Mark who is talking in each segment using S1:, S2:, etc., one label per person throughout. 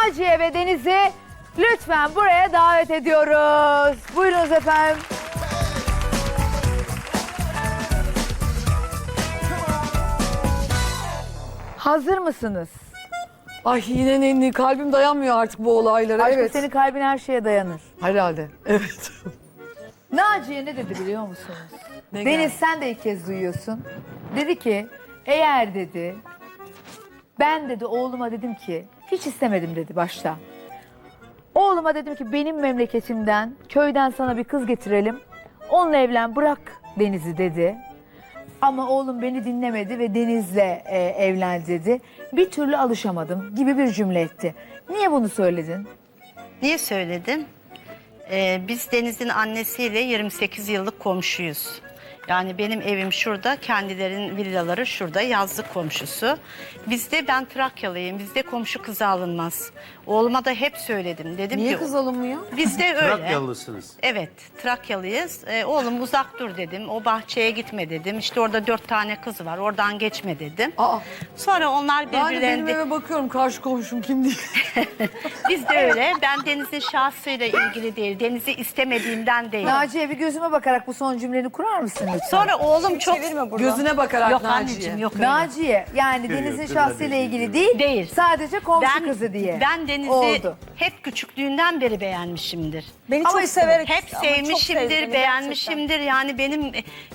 S1: Naciye ve Deniz'i lütfen buraya davet ediyoruz. Buyurunuz efendim. Hazır mısınız?
S2: Ay yine kalbim dayanmıyor artık bu olaylara.
S1: Aşkım
S2: Evet.
S1: senin kalbin her şeye dayanır.
S2: Herhalde. Evet.
S1: Naciye ne dedi biliyor musunuz?
S2: Ne
S1: Deniz
S2: geldi?
S1: sen de ilk kez duyuyorsun. Dedi ki eğer dedi ben dedi oğluma dedim ki hiç istemedim dedi başta. Oğluma dedim ki benim memleketimden köyden sana bir kız getirelim. Onunla evlen bırak Deniz'i dedi. Ama oğlum beni dinlemedi ve Deniz'le evlen dedi. Bir türlü alışamadım gibi bir cümle etti. Niye bunu söyledin?
S3: Niye söyledim? Biz Deniz'in annesiyle 28 yıllık komşuyuz. Yani benim evim şurada, kendilerinin villaları şurada, yazlık komşusu. Ben Trakyalıyım, bizde komşu kızı alınmaz. Oğluma da hep söyledim. Dedim
S2: Niye
S3: ki,
S2: kız alınmıyor?
S3: bizde öyle.
S4: Trakyalısınız.
S3: Evet, Trakyalıyız. Oğlum uzak dur dedim, o bahçeye gitme dedim. İşte orada 4 tane kız var, oradan geçme dedim.
S2: Aa.
S3: Sonra onlar
S2: Ben de benim
S3: birbirlerine...
S2: eve bakıyorum karşı komşum kim değil.
S3: Biz de öyle. Ben Deniz'in şahsıyla ilgili değil, Deniz'i istemediğimden değil.
S1: Naciye bir gözüme bakarak bu son cümleni kurar mısın lütfen?
S3: Sonra oğlum çok...
S2: Gözüne bakarak
S3: Yok
S2: Naciye.
S3: anneciğim yok öyle.
S1: Naciye yani Deniz'in
S4: yok,
S1: şahsıyla
S4: değil,
S1: ilgili
S4: değil.
S1: değil, sadece komşu kızı diye.
S3: Ben Deniz'i
S1: oldu.
S3: hep küçüklüğünden beri beğenmişimdir.
S5: Beni
S1: Ama
S5: çok
S1: işte
S5: severek
S3: Hep
S5: ama çok sevdi
S3: sevmişimdir,
S5: beni
S3: beğenmişimdir. Yani benim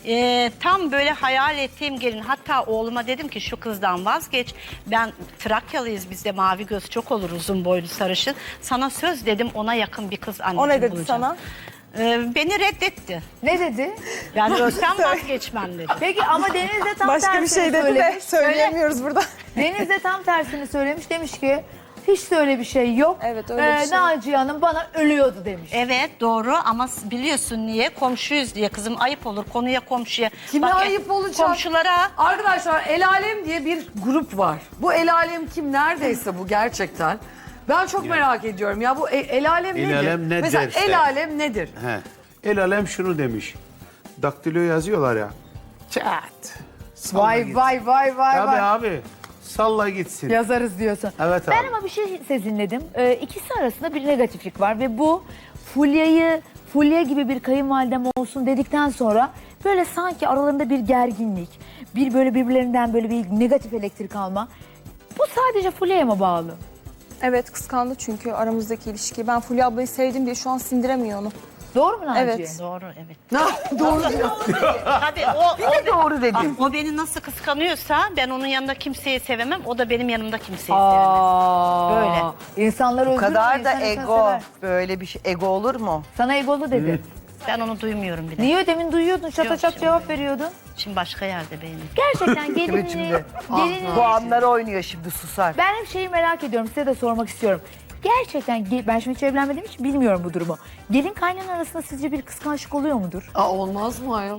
S3: tam böyle hayal ettiğim gelin. Hatta oğluma dedim ki şu kızdan vazgeç. Ben Trakyalıyız, bizde mavi göz çok olur, uzun boylu sarışın. Sana söz dedim, ona yakın bir kız anneciğim
S5: O ne dedi
S3: bulacağım.
S5: sana?
S3: Beni reddetti.
S1: Ne dedi?
S3: Yani ölsem vazgeçmem dedi.
S1: Peki ama Deniz de tam
S5: Başka bir
S1: tersini
S5: şey dedi de
S1: söylemiş.
S5: söyleyemiyoruz burada.
S1: Deniz de tam tersini söylemiş. Demiş ki hiç de öyle bir şey yok.
S5: Evet, öyle bir şey.
S1: Naciye Hanım bana ölüyordu demiş.
S3: Evet doğru ama biliyorsun niye? Komşuyuz diye kızım, ayıp olur konuya komşuya.
S2: Kime
S3: Bak,
S2: ayıp olacak?
S3: Komşulara.
S2: Arkadaşlar El Alem diye bir grup var. Bu El Alem kim neredeyse bu gerçekten. Ben çok merak ediyorum ya bu El Alem
S4: El
S2: nedir?
S4: Alem ne
S2: Mesela
S4: derse.
S2: El Alem nedir?
S4: He. El alem şunu demiş. Daktilo yazıyorlar ya. Çat. Salla
S1: Vay
S4: gitsin.
S1: vay vay vay
S4: Abi
S1: vay.
S4: abi. Salla gitsin.
S1: Yazarız diyorsun.
S4: Evet
S1: Ben
S4: abi.
S1: ama bir şey sezinledim. İkisi arasında bir negatiflik var ve bu Fulya gibi bir kayınvalidem olsun dedikten sonra böyle sanki aralarında bir gerginlik, bir böyle birbirlerinden böyle bir negatif elektrik alma. Bu sadece Fulya'ya mı bağlı?
S5: Evet kıskandı çünkü aramızdaki ilişkiyi. Ben Fulya ablayı sevdim diye şu an sindiremiyor onu.
S1: Doğru mu Naciye?
S5: Evet.
S3: Doğru evet.
S2: Doğru diyor.
S3: Tabii
S2: Doğru dedi.
S3: o beni nasıl kıskanıyorsa ben onun yanında kimseyi sevemem. O da benim yanımda kimseyi sevemez.
S1: Aa,
S3: Böyle.
S1: İnsanlar özgür.
S6: Bu kadar
S1: mü?
S6: da
S1: İnsan insan
S6: ego.
S1: sever.
S6: Böyle bir şey. Ego olur mu?
S1: Sana egolu dedi.
S3: Ben onu duymuyorum bile.
S1: Niye demin duyuyordun, çata
S3: Yok,
S1: çat
S3: şimdi
S1: cevap veriyordun?
S3: Şimdi başka yerde benim.
S1: Gerçekten
S6: Kimi
S1: gelinliği,
S6: şimdi?
S1: gelinliği-
S6: Bu anları oynuyor şimdi susar.
S1: Ben hep şeyi merak ediyorum, size de sormak istiyorum. Gerçekten ben şimdi hiç evlenmediğim için bilmiyorum bu durumu. Gelin kaynana arasında sizce bir kıskançlık oluyor mudur?
S2: Aa, olmaz mı ayol?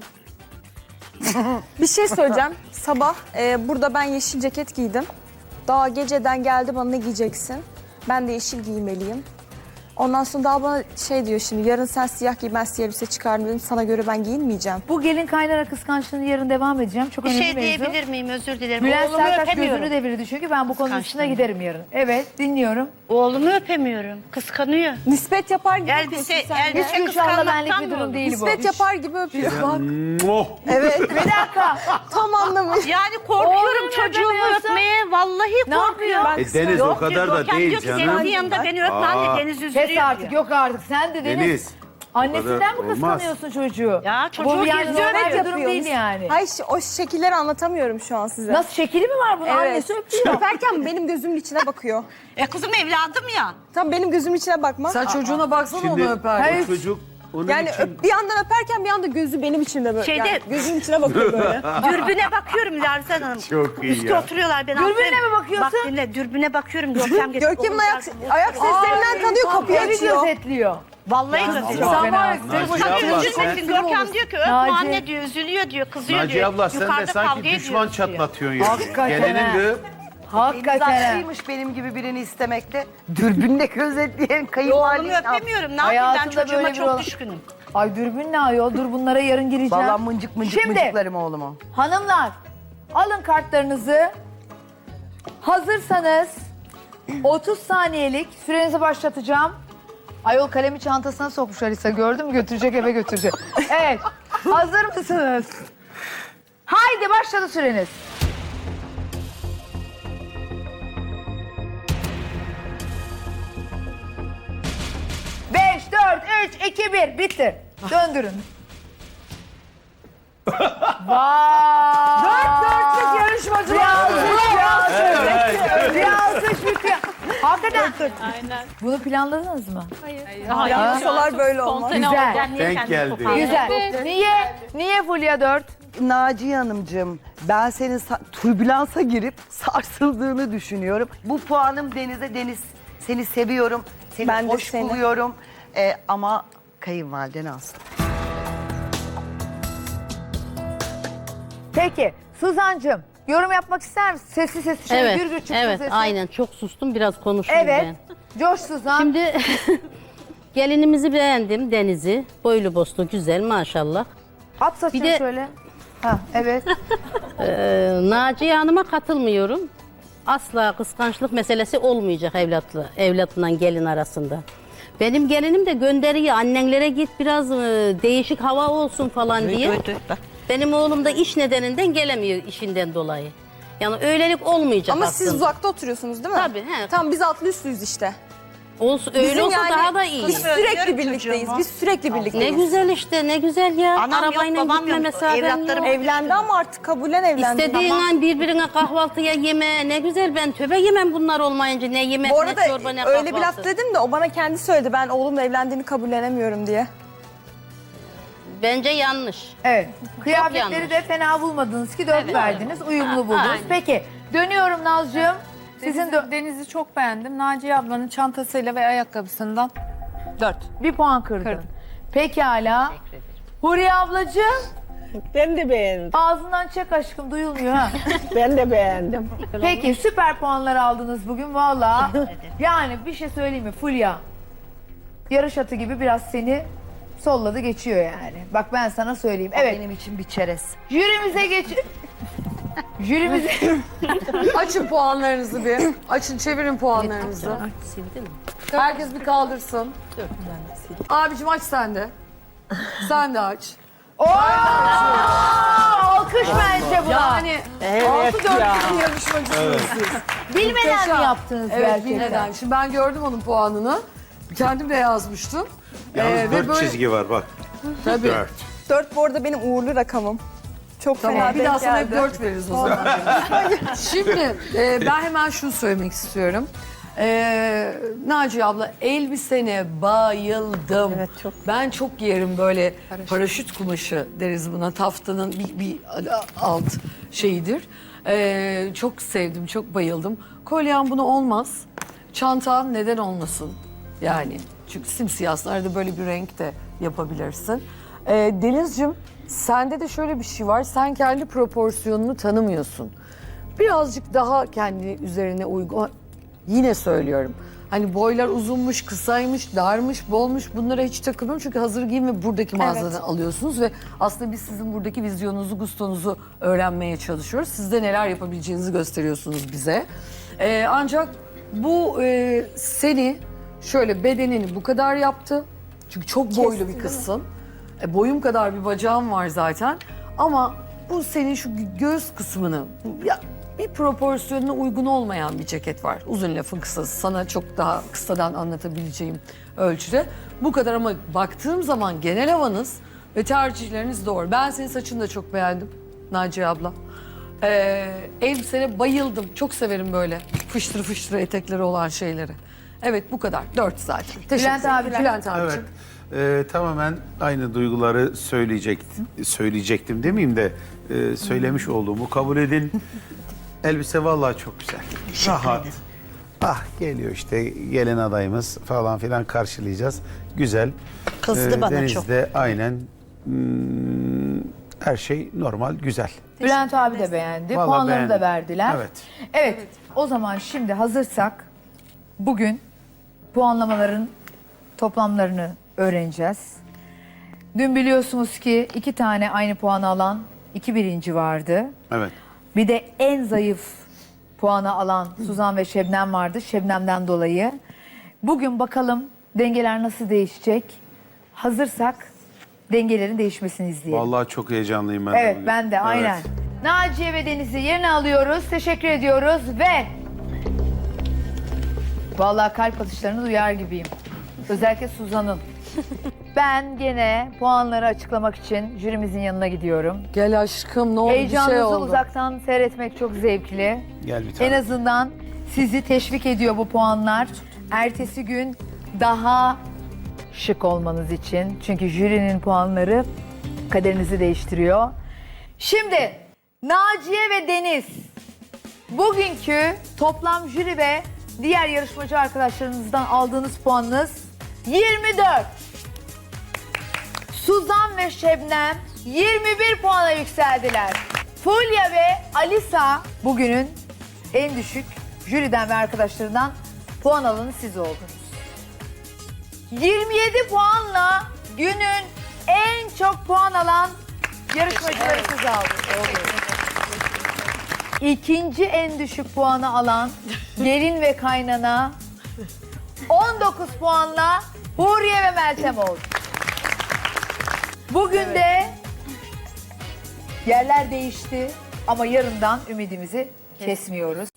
S5: Bir şey söyleyeceğim. Sabah burada ben yeşil ceket giydim. Daha geceden geldi bana ne giyeceksin? Ben de yeşil giymeliyim. Ondan sonra daha bana şey diyor şimdi yarın sen siyah giy ben siyah elbise çıkardım dedim. Sana göre ben giyinmeyeceğim.
S1: Bu gelin kaynana kıskançlığını yarın devam edeceğim. Çok
S3: Bir
S1: önemli
S3: şey
S1: mevzu.
S3: diyebilir miyim? Özür dilerim.
S1: Bülent
S3: Oğlumu
S1: Sertaç
S3: öpemiyorum.
S1: gözünü devirdi çünkü ben bu konunun üstüne
S3: Kıskançlığını.
S1: giderim yarın. Evet, dinliyorum.
S3: Oğlumu öpemiyorum. Kıskanıyor.
S5: Nispet yapar gibi
S3: Elbise,
S5: yapıyorsun sen de.
S3: elbise
S1: Hiç Gülşah'la benlik
S3: kıskanmaktan
S1: bir
S3: mı
S1: durum
S3: olur?
S1: değil bu.
S5: Nispet yapar gibi öpüyor.
S4: Oh.
S5: Evet.
S1: Bir dakika.
S5: Tam anlamı.
S3: Yani korkuyorum
S1: Oğlunu
S3: çocuğumu
S1: öpemiyorsun.
S3: öpmeye. Vallahi
S1: Ne
S3: korkuyorum.
S1: yapıyor?
S4: Deniz
S3: Yok
S4: o kadar
S3: diyor,
S4: da
S3: Görkem
S4: değil
S3: diyor ki
S4: canım.
S3: Deniz'in yanında beni öpme anne Deniz üzülüyor
S1: Kes artık,
S3: diyor.
S1: yok artık. Sen de Deniz.
S4: Deniz.
S1: Annesinden mi
S4: olmaz.
S1: kıskanıyorsun çocuğu?
S3: Ya çocuğu
S1: Bu yani
S3: geziyor,
S1: normal bir
S5: Evet
S1: durum
S5: yapıyorsunuz.
S1: değil yani.
S5: Hayır o şekilleri anlatamıyorum şu an size.
S1: Nasıl şekili mi var bunun?
S5: Evet.
S1: Annesi öpüyor.
S5: Öperken benim gözümün içine bakıyor.
S3: Kızım evladım ya.
S5: Tam benim gözümün içine bakma.
S2: Sen çocuğuna baksana
S4: Şimdi
S2: onu öper.
S1: Hayır.
S4: o çocuk onun
S5: Yani
S4: için...
S5: bir yandan öperken bir anda gözü benim içimde böyle.
S3: Şeyde-
S5: Yani gözümün içine bakıyor böyle.
S3: Dürbüne bakıyorum Lerzan Hanım.
S4: Çok iyi
S3: Üstte
S4: ya.
S3: oturuyorlar. Ben
S1: Dürbüne
S3: altındayım.
S1: mi bakıyorsun?
S3: Bak dinle dürbüne bakıyorum. Görkem getir.
S5: Görkem'in ayak seslerinden tanıyor kapıyı
S1: Evi
S5: açıyor.
S1: gözetliyor.
S3: Vallahi
S4: Ama-
S3: gösteriyor.
S1: Sen
S2: Fena.
S1: var ya,
S4: Naciye
S1: tek başına
S4: abla,
S1: çocuk
S4: sen-
S1: üzülmesin,
S3: Görkem diyor ki öpme
S1: Naciye.
S3: anne diyor, üzülüyor diyor, kızıyor
S4: Naciye
S3: diyor.
S4: abla sen de
S3: Yukarıda
S4: sanki
S3: kavga
S4: düşman
S3: ediyoruz diyor.
S4: çatlatıyorsun ya.
S1: Hakikaten
S4: Gelinin
S1: ha.
S4: de
S1: Hakikaten.
S6: Haklıymış benim gibi birini istemekte. Dürbünle gözetleyen
S3: Oğlumu
S6: kayınvalideyi.
S3: öpemiyorum. Ne yapayım ben
S1: Hayatında böyle
S3: çocuğuma
S1: bir
S3: çok
S1: olan-
S3: düşkünüm.
S1: Ay dürbün ne ayol? Dur bunlara yarın gireceğim.
S6: Vallahi mıncık mıncık
S1: Şimdi
S6: mıncıklarım oğlumu.
S1: hanımlar alın kartlarınızı. Hazırsanız 30 saniyelik sürenizi başlatacağım. Ayol kalemi çantasına sokmuş Alisa. Gördün mü? Götürecek, eve götürecek. Evet. Hazır mısınız? Haydi başladı süreniz. Beş, dört, üç, iki, bir. Bitti. Döndürün. Vay!
S2: Dörtlük yarışmacılar.
S1: Bir alkış bitiyor. Hakikaten. Aynen. Bunu planladınız mı?
S5: Yapsalar böyle olmaz.
S1: Güzel.
S4: Denk geldi.
S1: Güzel. Niye Fulya 4?
S6: Naciye Hanımcığım, ben senin türbülansa girip sarsıldığını düşünüyorum. Bu puanım Deniz'e. Deniz, seni seviyorum, seni
S5: Ben de
S6: hoş
S5: seni.
S6: buluyorum. Ama kayınvaliden alsın.
S1: Peki Suzancığım yorum yapmak ister misin? Sesli şöyle
S7: Evet,
S1: gürgür çıksın
S7: evet,
S1: sesin.
S7: aynen. Çok sustum, biraz konuşayım
S1: Evet.
S7: ben.
S1: Coş Suzan.
S7: Şimdi gelinimizi beğendim, Deniz'i. Boylu boslu, güzel maşallah.
S1: At saçını
S7: bir de-
S1: şöyle. Ha, evet.
S7: Naciye Hanım'a katılmıyorum. Asla kıskançlık meselesi olmayacak evlatla gelin arasında. Benim gelinim de gönderiyor, annenlere git biraz değişik hava olsun falan diye.
S3: Bak.
S7: Benim oğlum da iş nedeninden gelemiyor işinden dolayı. Yani öylelik olmayacak
S5: Ama
S7: aslında.
S5: siz uzakta oturuyorsunuz değil mi?
S7: Tabii, he.
S5: Tamam biz altlı üstlüyüz işte.
S7: Öyle
S5: Bizim
S7: olsa
S5: yani
S7: daha da iyi.
S5: Biz sürekli birlikteyiz. Biz sürekli
S7: Ne
S5: birlikteyiz.
S7: güzel işte, ne güzel ya.
S3: Anam yok,
S7: Arabayla
S3: babam
S7: gitme
S3: yok.
S7: mesafen
S3: Evlatlarım
S7: yok.
S5: Evlendi ama artık kabullen evlendi.
S7: İstediğin
S5: Tamam.
S7: an birbirine kahvaltıya yeme. Ne güzel, ben töbe yemem bunlar olmayınca. Ne yemek,
S5: Bu
S7: ne
S5: arada
S7: çorba, ne
S5: öyle bir
S7: kahvaltı.
S5: laf dedim de o bana kendi söyledi. Ben oğlumla evlendiğini kabullenemiyorum diye.
S7: Bence yanlış.
S1: Evet. Kıyafetleri
S7: yanlış.
S1: de fena bulmadınız ki 4 verdiniz. Uyumlu buldunuz.
S7: Aynen.
S1: Peki dönüyorum Nazcığım. Sizin
S8: Deniz'i çok beğendim. Naciye ablanın çantasıyla ve ayakkabısından 4.
S1: bir puan kırdın. Pekala. Huriye ablacığım.
S9: Ben de beğendim.
S1: Ağzından çek aşkım, duyulmuyor ha.
S9: Ben de beğendim.
S1: Peki süper puanlar aldınız bugün valla. Yani bir şey söyleyeyim mi Fulya? Yarış atı gibi biraz seni solladı geçiyor yani. Bak ben sana söyleyeyim. Evet.
S6: Benim için bir çerez.
S1: Jürimize geç... Jürimize...
S2: Açın puanlarınızı bir. Açın, çevirin puanlarınızı.
S7: Sildi mi?
S2: Herkes bir kaldırsın. Abicim aç sen de. Sen de aç.
S1: Oo! Alkış bence buna.
S2: Yani
S9: Evet
S2: 6-4
S9: ya.
S2: yarışmacısınız siz.
S1: Bilmeden
S2: Muhteşem.
S1: mi yaptınız
S2: Evet,
S1: gerçekten?
S2: bilmeden. Şimdi ben gördüm onun puanını. Kendim de yazmıştım.
S4: Yalnız
S2: Ve
S4: 4
S2: böyle-
S4: çizgi var bak.
S2: Tabii.
S4: 4.
S5: 4 bu arada benim uğurlu rakamım. Çok
S2: Tamam,
S5: fena
S2: bir daha
S5: denk
S2: sana
S5: geldi.
S2: hep 4 veririz o zaman. Şimdi ben hemen şunu söylemek istiyorum. Naciye abla, elbisene bayıldım.
S5: Evet, çok.
S2: Ben çok giyerim böyle paraşüt kumaşı deriz buna. Taftanın bir alt şeyidir. Çok sevdim, çok bayıldım. Kolyen buna olmaz. Çantan neden olmasın? Yani çünkü simsiyahlarda böyle bir renk de yapabilirsin. Denizciğim, sende de şöyle bir şey var. Sen kendi proporsiyonunu tanımıyorsun. Birazcık daha kendi üzerine uygun. Yine söylüyorum. Hani boylar uzunmuş, kısaymış, darmış, bolmuş, bunlara hiç takılmıyorum. Çünkü hazır giyim ve buradaki mağazadan alıyorsunuz ve aslında biz sizin buradaki vizyonunuzu, gustonuzu öğrenmeye çalışıyoruz. Siz de neler yapabileceğinizi gösteriyorsunuz bize. Ancak bu seni şöyle bedenini bu kadar yaptı. Çünkü çok boylu bir kızsın. Boyum kadar bir bacağım var zaten. Ama bu senin şu göğüs kısmını... Ya, bir proporsiyonuna uygun olmayan bir ceket var. Uzun lafın kısası. Sana çok daha kısadan anlatabileceğim ölçüde. Bu kadar ama baktığım zaman genel havanız ve tercihleriniz doğru. Ben senin saçını da çok beğendim Naciye abla. Elbisene bayıldım. Çok severim böyle fıştır fıştır etekleri olan şeyleri. Evet bu kadar. 4 zaten. Teşekkür
S1: Bülent
S2: ederim.
S1: abicim.
S2: Bülent
S4: Evet.
S2: abicim.
S4: Tamamen aynı duyguları söyleyecektim demeyeyim de söylemiş olduğumu kabul edin. Elbise vallahi çok güzel. Rahat. Ah geliyor işte gelin adayımız falan filan karşılayacağız. Güzel.
S3: Kızdı bana
S4: Deniz'de
S3: çok.
S4: aynen her şey normal, güzel.
S1: Bülent abi de beğendi.
S4: Vallahi
S1: Puanlarını da
S4: beğendim.
S1: verdiler.
S4: Evet.
S1: Evet. O zaman şimdi hazırsak bugün puanlamaların toplamlarını öğreneceğiz. Dün biliyorsunuz ki 2 tane aynı puanı alan 2 birinci vardı.
S4: Evet.
S1: Bir de en zayıf puanı alan Suzan ve Şebnem vardı. Şebnem'den dolayı. Bugün bakalım dengeler nasıl değişecek? Hazırsak dengelerin değişmesini izleyelim.
S4: Vallahi çok heyecanlıyım ben de
S1: Evet
S4: bugün.
S1: ben de aynen.
S4: Evet.
S1: Naciye ve Deniz'i yerine alıyoruz. Teşekkür ediyoruz ve vallahi kalp atışlarını duyar gibiyim. Özellikle Suzan'ın. Ben gene puanları açıklamak için jürimizin yanına gidiyorum.
S2: Gel aşkım ne oldu bir şey
S1: Heyecanınızı
S2: oldu.
S1: uzaktan seyretmek çok zevkli.
S4: Gel bir tane.
S1: En azından sizi teşvik ediyor bu puanlar. Ertesi gün daha şık olmanız için. Çünkü jürinin puanları kaderinizi değiştiriyor. Şimdi Naciye ve Deniz, bugünkü toplam jüri ve diğer yarışmacı arkadaşlarınızdan aldığınız puanınız 24. Suzan ve Şebnem 21 puana yükseldiler. Fulya ve Alisa bugünün en düşük jüriden ve arkadaşlarından puan alanı siz oldunuz. 27 puanla günün en çok puan alan yarışmacıları siz aldınız. İkinci en düşük puanı alan gelin ve kaynana 19 puanla Huriye ve Meltem oldu. Bugün de yerler değişti ama yarından ümidimizi kesmiyoruz.